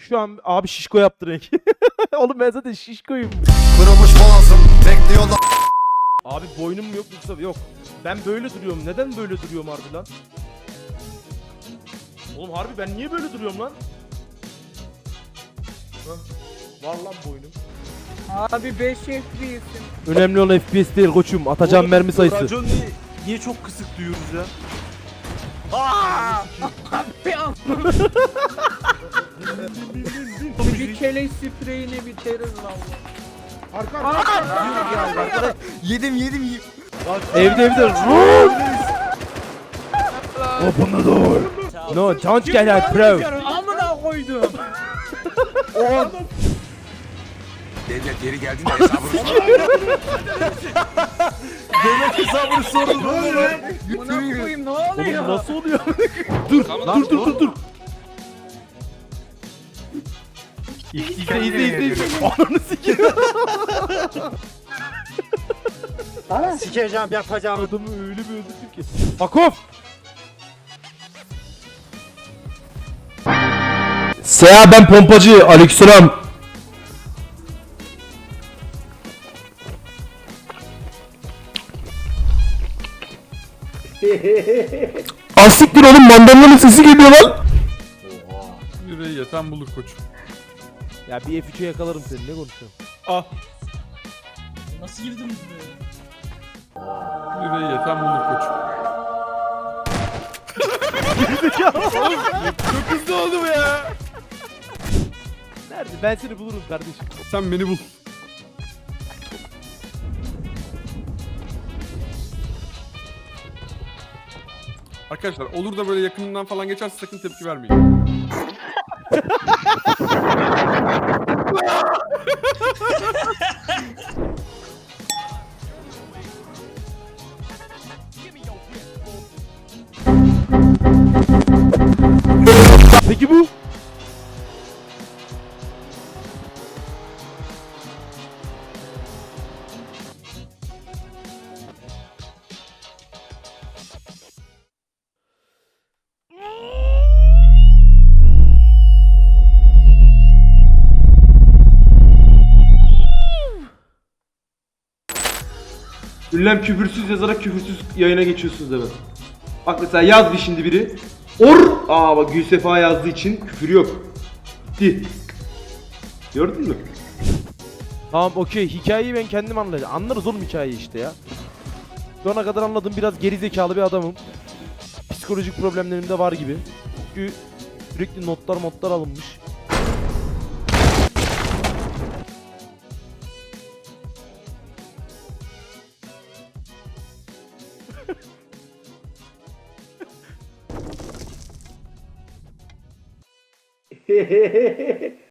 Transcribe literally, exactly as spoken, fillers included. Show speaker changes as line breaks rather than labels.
Şu an abi şişko yaptı renk. Oğlum ben zaten şişkoyum.
Kırılmış boğazım bekliyorlar.
Abi boynum mu yok yoksa yok. Ben böyle duruyorum. Neden böyle duruyorum harbi lan? Oğlum harbi ben niye böyle duruyorum lan? Hah. Var lan boynum.
Abi beş F P S'im.
Önemli olan F P S değil koçum. Atacağım mermi sayısı.
Racon niye, niye çok kısık duyuyoruz ya?
Bir keleş spreyini biteriz valla.
Yedim yedim yedim.
Evde evde. Run! Open the door. No, don't get out bro.
Amına koydum.
Devlet geri geldiğinde hesabını
Demek hesabını sordun oğlum lan.
Amına koyayım ne
Oğlum
oluyor?
nasıl oluyor? dur, dur, dur, dur, dur. İzle, izle, izle, izle. Ananı sikeyim.
Sikeceğim yapacağım.
Adamı öyle bir öldürdüm ki. Hakov! Seha ben pompacı. Aleykümselam. Asiktir oğlum mandalının sesi geliyor lan.
Yüreği yeten bulur koçum.
Ya bir F üç'e yakalarım seni ne konuşuyorsun? Ah.
Nasıl girdim buraya?
Yüreği yeten bulur koçum.
Çok hızlı oldu bu ya. Nerede? Ben seni bulurum kardeşim.
Sen beni bul. Arkadaşlar olur da böyle yakınından falan geçerse sakın tepki vermeyin.
Peki bu?
Ünlem küfürsüz yazarak küfürsüz yayına geçiyorsunuz hemen. Bak mesela yazdı şimdi biri. Or! Aa bak Gülsefa yazdığı için küfür yok. Gitti. Gördün mü?
Tamam okey hikayeyi ben kendim anlayacağım. Anlarız oğlum hikayeyi işte ya. Şu ana kadar anladığım biraz gerizekalı bir adamım. Psikolojik problemlerim de var gibi. Çünkü sürekli notlar modlar alınmış.